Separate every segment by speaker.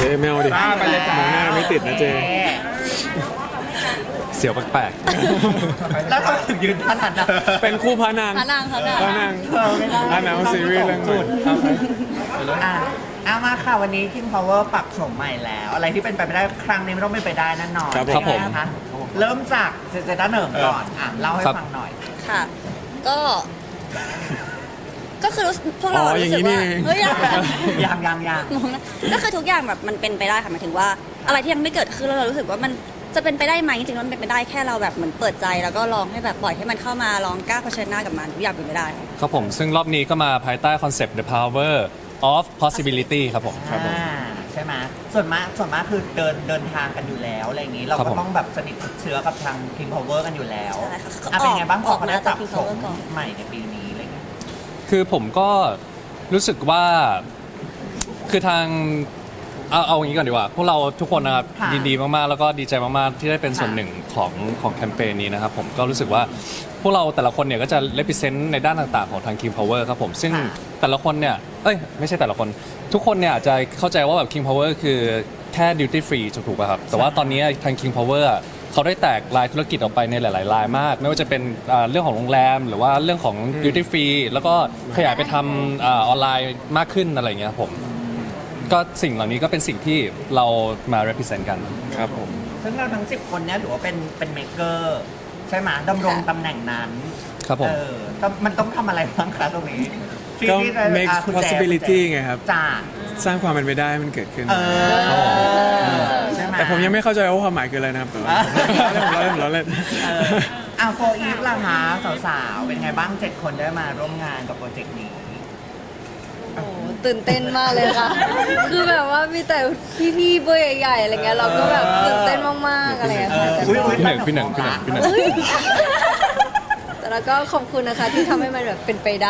Speaker 1: ไม่เอาดิ
Speaker 2: ไปเลยจ้าม
Speaker 1: องหน้าไม่ติดนะเจ
Speaker 3: เสียวแปลก
Speaker 2: แล้วทำไมถึงยืนท่านั้นนะ
Speaker 1: เป็นคู่พระนาง
Speaker 4: พระนาง
Speaker 1: พระนางพระนางซีรีส์เรื่องใหม่
Speaker 2: อ่ะเอามาค่ะวันนี้ King Power ปรับโฉมใหม่แล้ว อะไรที่เป็นไปไม่ได้ครั้งนี้ไม่ต้องเป็นไปได้แน่นอน
Speaker 3: ครับผม
Speaker 2: นะคะเริ่มจากเซต้าเหนิงก่อนเล่าให้ฟังหน่อย
Speaker 4: ค่ะ ก็คือพวกเรา
Speaker 1: อ๋ออย่าง
Speaker 4: รู้สึ
Speaker 1: นี้
Speaker 4: ก
Speaker 1: นี่
Speaker 4: ว่า
Speaker 1: เอง
Speaker 4: เฮ้ยยัง
Speaker 2: ยัง
Speaker 4: งงนะก็คือทุกอย่างแบบมันเป็นไปได้ค่ะหมายถึงว่าอะไรที่ยังไม่เกิดขึ้นแล้วเรารู้สึกว่ามันจะเป็นไปได้ไหมจริงๆแล้วมันเป็นไปได้แค่เราแบบเหมือนเปิดใจแล้วก็ลองให้แบบปล่อยให้มันเข้ามาลองกล้าเผชิญหน้ากับมันทุกอย่างเป็นไปได้ค่ะ
Speaker 3: ๆครับผมซึ่งรอบนี้ก็มาภายใต้คอนเซปต์ The Power of Possibility ครับผม
Speaker 2: ใช่ไหมส่วนมากคือเดินทางกันอยู่แล้วอะไรอย่างนี้ เรา
Speaker 3: ครับ
Speaker 2: ก็
Speaker 3: ผม
Speaker 2: ต้องแบบสนิทชิดเชื้อกับทาง King Power กันอยู่แล้ว
Speaker 4: ใช่ค่ะ
Speaker 2: เป็นไงบ้างพอเขาได้
Speaker 4: ออกมา
Speaker 2: ปรับ
Speaker 4: จาก King
Speaker 2: โฉม
Speaker 4: Power ก่อน
Speaker 2: ใหม่ในปีนี้อะไรเงี้ย
Speaker 3: คือผมก็รู้สึกว่าคือทางเอาอย่างนี้ก่อนดีกว่าพวกเราทุกคนนะครับ
Speaker 2: ค่ะ
Speaker 3: ยินดีมากๆแล้วก็ดีใจมากๆที่ได้เป็นส่วนหนึ่งของแคมเปญนี้นะครับผมก็รู้สึกว่าพวกเราแต่ละคนเนี่ยก็จะ represent ในด้านต่างๆของทาง King Power ครับผมซึ่งแต่ละคนเนี่ยไม่ใช่แต่ละคนทุกคนเนี่ยอาจจะเข้าใจว่าแบบ King Power คือแค่ duty free ถูกป่ะครับแต่ว่าตอนนี้ทาง King Power เขาได้แตกรายธุรกิจออกไปในหลายๆรายมาก ไม่ว่าจะเป็นเรื่องของโรงแรมหรือว่าเรื่องของ duty free แล้วก็ขยายไปทำออนไลน์มากขึ้นอะไรอย่างเงี้ยครับผมก็สิ่งเหล่านี้ก็เป็นสิ่งที่เรามา represent กัน
Speaker 1: ครับผม
Speaker 2: ซึ่งเราทั้ง 10 คนเนี่ยถือว่าเป็นเมเกอร์ใช่ไหมดำรงตำแหน่งนั้น
Speaker 3: ครับผม
Speaker 2: มันต้องทำอะไรบ้างคะตรงนี้ที่
Speaker 1: ก็
Speaker 2: ที่จะ
Speaker 1: make
Speaker 2: คุณแจ
Speaker 1: possibility ไงครับ
Speaker 2: จ้า
Speaker 1: สร้างความเป็นไปได้ให้มันเกิดขึ้น
Speaker 2: ใช่ไหม
Speaker 1: แต่ผมยังไม่เข้าใจว่าความหมายคืออะไรนะครับแต่ว่าเราเล่น
Speaker 2: โฟอีฟล่ะคะสาวๆ เป็นไงบ้าง 7 คนได้มาร่วมงานกับโปรเจกต์นี้
Speaker 5: โอ้ตื่นเต้นมากเลยค่ะ คือแบบว่ามีแต่พี่ๆเบอร์ใหญ่ๆอะไรเงี้ยเราก็แบบตื่นเต้นมากๆอะไรอย่างเงี้ยค่ะแต่
Speaker 3: พี่หนึ่ง
Speaker 5: แต่แล้วก็ขอบคุณนะคะที่ทำให้มันแบบเป็นไปได้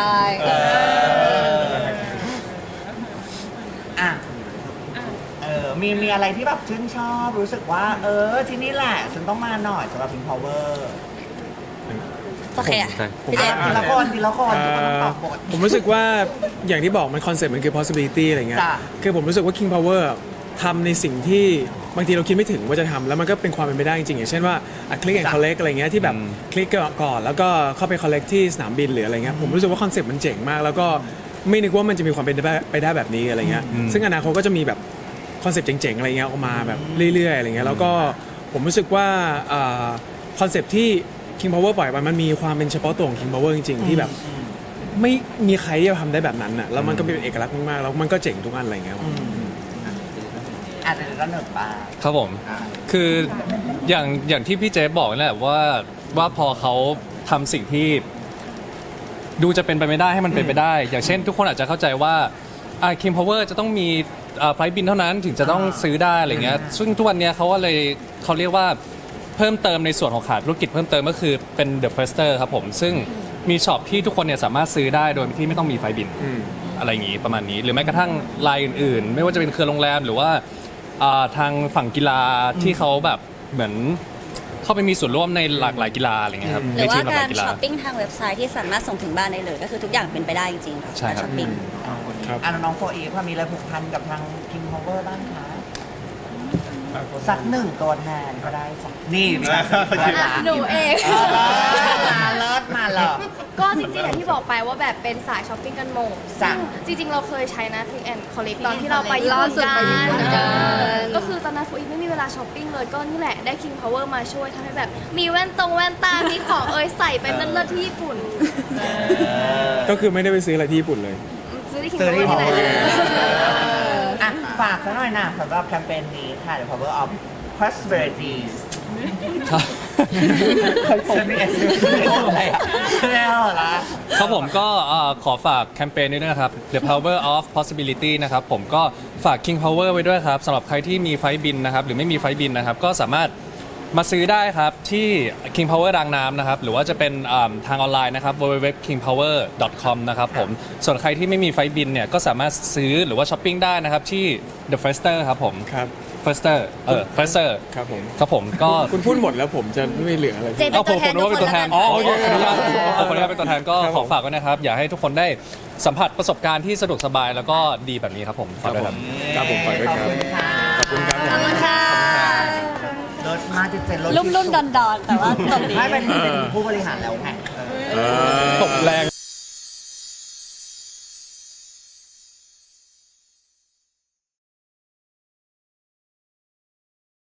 Speaker 2: อ่ะมีอะไรที่แบบชื่นชอบรู้สึกว่า ที่นี่แหละ ฉันต้องมาหน่อยสำหรับ King Power
Speaker 4: โอเคอ่ะ
Speaker 1: ผม
Speaker 4: พี่เจ
Speaker 2: ทีละคนทุกคนต้องตอบบท
Speaker 1: ผมรู้สึกว่าอย่างที่บอกมันคอนเซ็ปต์มันคือ possibility อะไรเงี้ย
Speaker 2: จ้ะ
Speaker 1: คือผมรู้สึกว่า King Power ทำในสิ่งที่บางทีเราคิดไม่ถึงว่าจะทำแล้วมันก็เป็นความเป็นไปได้จริงๆอย่างเช่นว่าคลิกแอนด์คอลเลกอะไรเงี้ยที่แบบคลิกก่อนแล้วก็เข้าไปคอลเลกที่สนามบินหรืออะไรเงี้ยผมรู้สึกว่าคอนเซ็ปต์มันเจ๋งมาก แล้วก็ไม่นึกว่ามันจะมีความเป็นไปได้แบบนี้อะไรเงี้ยซึ่งอนาคตก็จะมีแบบคอนเซ็ปต์เจ๋งๆอะไรเงี้ยออกมาแบบเรื่อยๆอะไรเงี้ยแล้วก็ผมรู้สึกว่าคอนเซ็ปต์ที่ King Power ปล่อยไปมันมีความเป็นเฉพาะตัวของ King Power จริงๆที่แบบไม่มีใครที่จะทำได้แบบนั้นน่ะแล้วมันก็เป็นเอกลักษณ์มากๆแล้วมันก็เจ๋งทุกอันอะไรเงี้ย
Speaker 2: อาจจะระหนึ่งบ้าง
Speaker 3: ครับผม คืออย่างที่พี่เจฟบอกนั่นแหละว่าพอเขาทำสิ่งที่ดูจะเป็นไปไม่ได้ให้มันเป็นไปได้ อย่างเช่น ทุกคนอาจจะเข้าใจว่าKing Power จะต้องมีไฟล์บินเท่านั้นถึงจะต้องซื้อได้อะไรเงี้ยซึ่งทุกวันเนี้ยเขาเรียกว่าเพิ่มเติมในส่วนของขาดธุรกิจเพิ่มเติมก็คือเป็น The Firster ครับผมซึ่งมีช็อปที่ทุกคนเนี่ยสามารถซื้อได้โดยที่ไม่ต้องมีไฟล์บินอะไรอย่างงี้ประมาณนี้หรือแม้กระทั่งรายอื่นๆ ไม่ว่าจะเป็นเครือโรงแรมหรือว่าทางฝั่งกีฬาที่เขาแบบเหมือนเข้าไปมีส่วนร่วมในหลากหลายกีฬาอะไรเงี้ยครับ
Speaker 4: หรือว่า
Speaker 3: ในทีมหล
Speaker 4: การ
Speaker 3: ยกีฬา
Speaker 4: ช้อปปิ้งทางเว็บไซต์ที่สามารถส่งถึงบ้านได้เลย ก็คือทุกอย่างเป็นไปได้จริงๆค่ะ
Speaker 3: ใช่ครับ
Speaker 4: ช้อปปิ้ง
Speaker 1: ครับ
Speaker 2: น้องโฟอีฟมีอะไรผูกพันกับทาง King Power บ้างคะสักหนึ่งตัวแทนก็ได้สักนี่มีการสักละ
Speaker 5: หนูเอง
Speaker 2: มาเลิศมาเหรอ
Speaker 6: ก็จริงๆอย่างที่บอกไปว่าแบบเป็นสายช้อปปิ้งกันหมด
Speaker 2: จ้ะ
Speaker 6: ซึ่งจริงๆ เราเคยใช้นะ Click and Collect ตอนที่เราไปญี่
Speaker 5: ล่า
Speaker 6: ปุ่น
Speaker 5: สุด
Speaker 6: กั
Speaker 5: ไปญี่ปุ่นกัน
Speaker 6: ก็คือตอนนั้นฟูอีไม่มีเวลาช้อปปิ้งเลย ก็นี่แหละได้ King Power มาช่วยทำให้แบบ มีแว่นตา มีของใส่ไปเลิศๆที่ญี่ปุ่น
Speaker 1: ก็คือไม่ได้ไปซื้ออะไรที่ญี่ปุ่นเลย
Speaker 6: ซื้อที่ King
Speaker 2: ซื้อที่
Speaker 6: Power ที่ไหน
Speaker 2: อ่ะฝากซะหน่อยนะสำหรับแคมเปญนี้ค่ะ The Power of Possibilities ฉันมีอะไรอ่ะไม่เอาละ
Speaker 3: ครับผมก็ขอฝากแคมเปญนี้ด้วยนะครับ The Power of Possibility นะครับผมก็ฝาก King Power ไว้ด้วยครับสำหรับใครที่มีไฟล์บินนะครับหรือไม่มีไฟล์บินนะครับก็สามารถมาซื้อได้ครับที่ King Power รางน้ำนะครับหรือว่าจะเป็นทางออนไลน์นะครับ www.kingpower.com นะครับผมส่วนใครที่ไม่มีไฟล์บินเนี่ยก็สามารถซื้อหรือว่าช้อปปิ้งได้นะครับที่ The Firster ครับผม
Speaker 1: ครับ
Speaker 3: Firster Firster
Speaker 1: ครับผม
Speaker 3: ครับผมก็
Speaker 1: คุณพูดหมดแล้วผมจะไม่เหลืออะไร
Speaker 4: เจ
Speaker 3: เอาผมนึกว่าเป็นตัวแทน
Speaker 4: อ๋อ
Speaker 3: โอเค
Speaker 4: โอเค
Speaker 3: ขออนุญาตขออนุญาตเป็นตัวแทนก็
Speaker 1: ครับ
Speaker 3: ข
Speaker 1: ผ
Speaker 3: อ
Speaker 1: ม
Speaker 3: ฝากไว้นะครับ อยากให้ทุกคนได้สัมผัสประสบการณ์ที่สะดวกสบายแล้วก็ดีแบบนี้ครับผมฝากด้วยครับ
Speaker 1: ครับผมฝากด้วยครับ
Speaker 2: ขอบคุณค่ะ
Speaker 1: ขอบคุณครับ
Speaker 4: ขอบคุณค่ะ
Speaker 2: รถมาจะเป็นรถ
Speaker 4: รุ่มๆดอนๆแต่ว่าจบดี
Speaker 2: ไม่เป็นผู้บริหารแล้วไง
Speaker 3: ตบแรง